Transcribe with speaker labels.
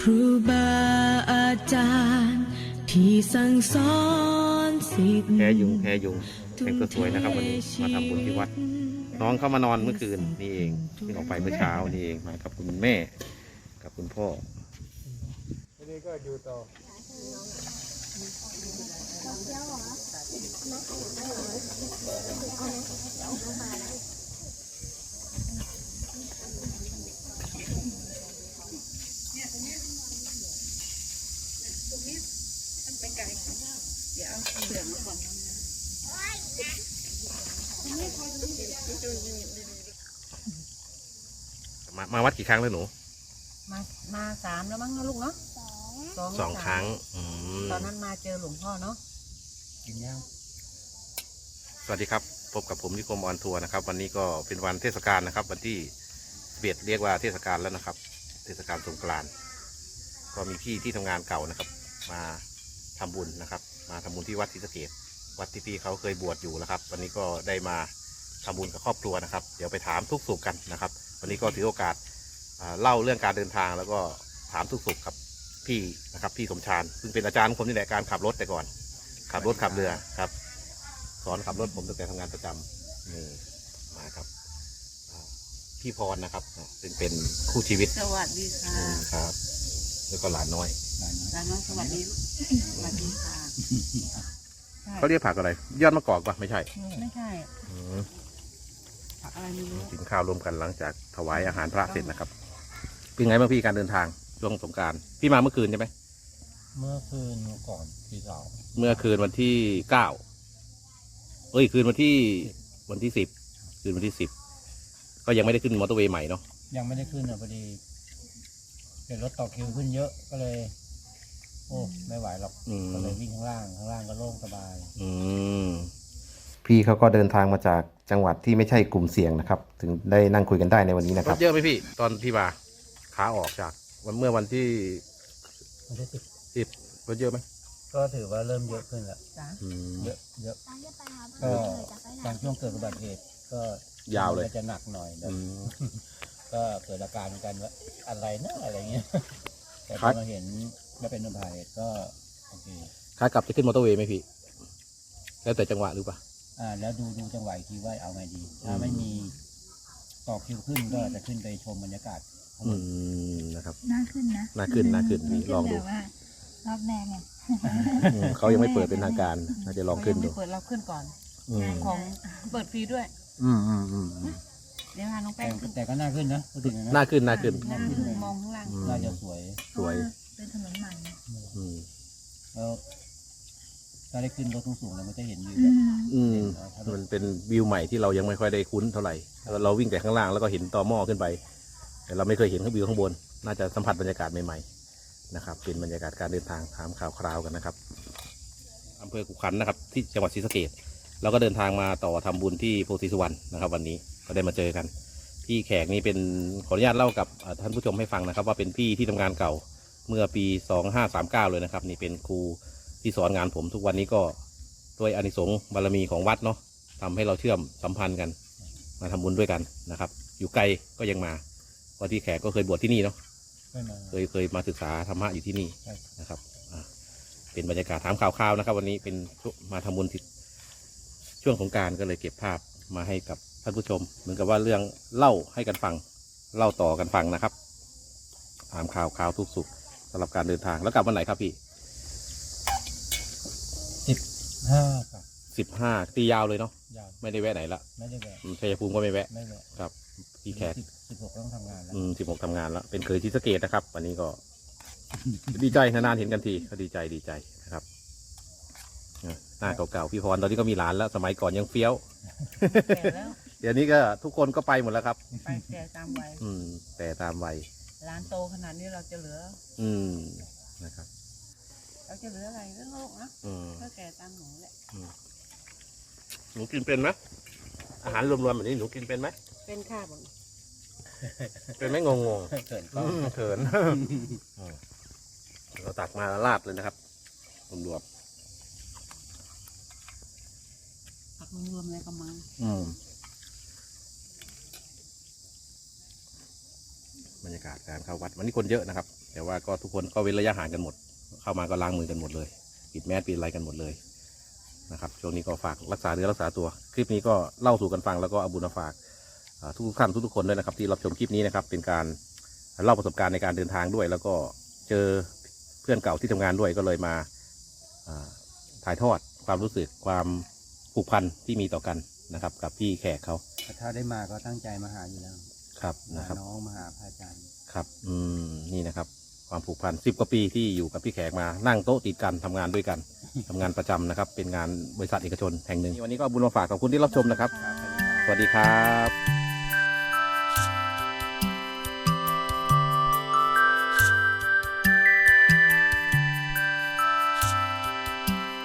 Speaker 1: ครูบาอาจารย์ที่สั่งสอนศิษย์
Speaker 2: แพยุงแต่งตัวสวยนะครับวันนี้มาทำบุญที่วัดน้องเข้ามานอนเมื่อคืนนี่เองเพิ่งออกไปเมื่อเช้านี่เองมากับคุณแม่กับคุณพ่อทีนี้ก็อยู่ต่อมาวัดกี่ครั้งแล้วหนู
Speaker 3: มา3แล้วมั้งนะลูกเนาะ
Speaker 2: สองครั้ง
Speaker 3: ตอนนั้นมาเจอหลวงพ่อเนาะกินยัง
Speaker 2: สวัสดีครับพบกับผมนิคมออนทัวร์นะครับวันนี้ก็เป็นวันเทศกาลนะครับวันที่เรียกว่าเทศกาลแล้วนะครับเทศกาลสงกรานต์ก็มีพี่ที่ทำงานเก่านะครับมาทำบุญนะครับมาทำบุญที่วัดศรีสะเกษวัดที่พี่เขาเคยบวชอยู่นะครับวันนี้ก็ได้มาทำบุญกับครอบครัวนะครับเดี๋ยวไปถามทุกสุขกันนะครับวันนี้ก็ถือโอกาสเล่าเรื่องการเดินทางแล้วก็ถามทุกสุขกับพี่นะครับพี่สมชาญซึ่งเป็นอาจารย์ของผมนี่แหละการขับรถแต่ก่อนขับรถขับเรือครับสอนขับรถผมตั้งแต่ทำงานประจำนี่มาครับพี่พรนะครับซึ่งเป็นคู่ชีวิต
Speaker 3: สวัสดีค่ะ
Speaker 2: ครับแล้วก็หลานน้อย
Speaker 3: สวัสดีสวัสดีค่ะ
Speaker 2: เขาเรียกผักอะไรยอดมะกอกปะไม่ใช่
Speaker 3: ผักอะไรไม่รู้
Speaker 2: กินข้าวรวมกันหลังจากถวายอาหารพระเสร็จนะครับเป็นไงบ้างพี่การเดินทางช่วงสงกรานต์พี่มาเมื่อคืนใช่ไหม
Speaker 4: เมื่อคืนก่อนที่เรา
Speaker 2: เมื่อคืนวันที่9คืนวันที่10คืนวันที่10ก็ยังไม่ได้ขึ้นมอเตอร์เวย์ใหม่เนาะ
Speaker 4: ยังไม่ได้ขึ้นพอดีเห็นรถต่อคิวขึ้นเยอะก็เลยโอ้ไม่ไหวหรอกก็เลยวิ่งข้างล่างก็โล่งสบาย
Speaker 2: พี่เขาก็เดินทางมาจากจังหวัดที่ไม่ใช่กลุ่มเสี่ยงนะครับถึงได้นั่งคุยกันได้ในวันนี้นะครับรถเยอะไหมพี่ตอนที่มาขาออกจากเมื่อวันที่10รถเยอะไหม
Speaker 4: ก็ถือว่าเริ่มเยอะขึ้นแล้วเยอะก็ตอนช่วงเกิดอุบัติเหตุก็
Speaker 2: ยาวเลย
Speaker 4: จะหนักหน่อยก็เกิดอาการเหมือนกันว่าอะไรนะอะไรเงี้ยแต่พอมาเห็นว่าเป็นอุบัติเหตุก็โอเค
Speaker 2: ขากลับจะขึ้นมอเตอร์เวย์ไหมพี่แล้วแต่จังหวะหรือเปล่า
Speaker 4: แล้วดูจังหวะทีว่าเอาไงดีถ้าไม่มีต่อคิวขึ้นก็จะขึ้นไปชมบรรยากาศ
Speaker 2: นะครับ
Speaker 1: น่าขึ้นนะ
Speaker 2: น่าขึ้นพี่ลองดู
Speaker 1: รอบแรกไง
Speaker 2: เขายังไม่เปิดเป็นทางการน่าจะลองขึ้นดู
Speaker 3: เปิดเราขึ้นก่อนของเปิดฟรีด้วยเดี๋ยวน้องแป้ง
Speaker 4: แต่ก็น่าขึ้นนะ
Speaker 2: น่าขึ้น
Speaker 3: มองข้างล่าง
Speaker 4: น่าจะสวย
Speaker 1: เป็นถนนใหม่
Speaker 4: แล้วถ้าได้ขึ้นรถสูงแล้วมันจะเห็นวิว
Speaker 2: มันเป็นวิวใหม่ที่เรายังไม่ค่อยได้คุ้นเท่าไหร่เราวิ่งแต่ข้างล่างแล้วก็เห็นต่อหม้อขึ้นไปแต่เราไม่เคยเห็นข้างวิวข้างบนน่าจะสัมผัสบรรยากาศใหม่ๆนะครับเป็นบรรยากาศการเดินทางถามข่าวคราวกันนะครับอำเภอกุขันนะครับที่จังหวัดศรีสะเกษเราก็เดินทางมาต่อทำบุญที่โพธิสุวรรณนะครับวันนี้ก็ได้มาเจอกันพี่แขกนี่เป็นขออนุญาตเล่ากับท่านผู้ชมให้ฟังนะครับว่าเป็นพี่ที่ทำงานเก่าเมื่อปี2539เลยนะครับนี่เป็นครูที่สอนงานผมทุกวันนี้ก็ด้วยอานิสงส์บารมีของวัดเนาะทำให้เราเชื่อมสัมพันธ์กันมาทำบุญด้วยกันนะครับอยู่ไกลก็ยังมาวันที่แขกก็เคยบวชที่นี่เนาะเคยมาศึกษาธรรมะอยู่ที่นี่นะครับเป็นบรรยากาศถามข่าวๆนะครับวันนี้เป็นมาทำบุญช่วงสงกรานต์ก็เลยเก็บภาพมาให้กับท่านผู้ชมเหมือนกับว่าเรื่องเล่าให้กันฟังเล่าต่อกันฟังนะครับถามข่าวทุกสุขสำหรับการเดินทางแล้วกลับวันไหนครับพี่15ตียาวเลยเนาะไม่ได้แวะไหนละ
Speaker 4: ไม่ได้แวะ
Speaker 2: ชัยภูมิก็ไม่แวะครับพี่แขก
Speaker 4: 16ต้องทำงานแล้ว
Speaker 2: 16ทำงานแล้วเป็นเคยศรีสะเกษนะครับวันนี้ก็ดีใจนานๆเห็นกันทีก็ดีใจนะครับหน้าเก่าๆพี่พรตอนนี้ก็มีหลานแล้วสมัยก่อนยังเฟี้ยวเดี๋ยวนี้ก็ทุกคนก็ไปหมดแล้วครับ
Speaker 3: ไปแต่ตามวัย
Speaker 2: แต่ตามวัย
Speaker 3: ร้านโตขนาดนี้เราจะเหลือ
Speaker 2: นะครับ
Speaker 3: เราจะเหลืออะไรเรื่องโลกนะก็แก่ตามหนูแหละ
Speaker 2: หนูกินเป็นไหมอาหารรวมๆแบบนี้หนูกินเป็นไหม
Speaker 3: เป็นค่ะผม
Speaker 2: เป็นไหมงงเขินเราตักมาลาดเลยนะครับรวม
Speaker 3: ผักรวมอะไรประมาณ
Speaker 2: บรรยากาศการเข้าวัดวันนี้คนเยอะนะครับแต่ว่าก็ทุกคนก็เว้นระยะห่างกันหมด เข้ามาก็ล้างมือกันหมดเลยปิดแมสปิดอะไรกันหมดเลยนะครับช่วงนี้ก็ฝากรักษาเนื้อรักษาตัวคลิปนี้ก็เล่าสู่กันฟังแล้วก็เอาบุญมาฝากทุกท่านทุกคนด้วยนะครับที่รับชมคลิปนี้นะครับเป็นการเล่าประสบการณ์ในการเดินทางด้วย แล้วก็เจอเพื่อนเก่าที่ทำงานด้วยก็เลยมาถ่ายทอดความรู้สึกความผูกพันที่มีต่อกันนะครับกับพี่แขกเขา
Speaker 4: ถ้าได้มาก็ตั้งใจมาหาอยู่แล้ว
Speaker 2: ครับนะครับ
Speaker 4: น้องมาหาพระอาจารย์
Speaker 2: ครับนี่นะครับความผูกพัน10 กว่าปีที่อยู่กับพี่แขกมานั่งโต๊ะติดกันทำงานด้วยกัน ทำงานประจำนะครับเป็นงานบริษัทเอกชนแห่งหนึ่งวันนี้ก็เอาบุญมาฝากขอบคุณที่รับชมนะครับ สวัสดีครับ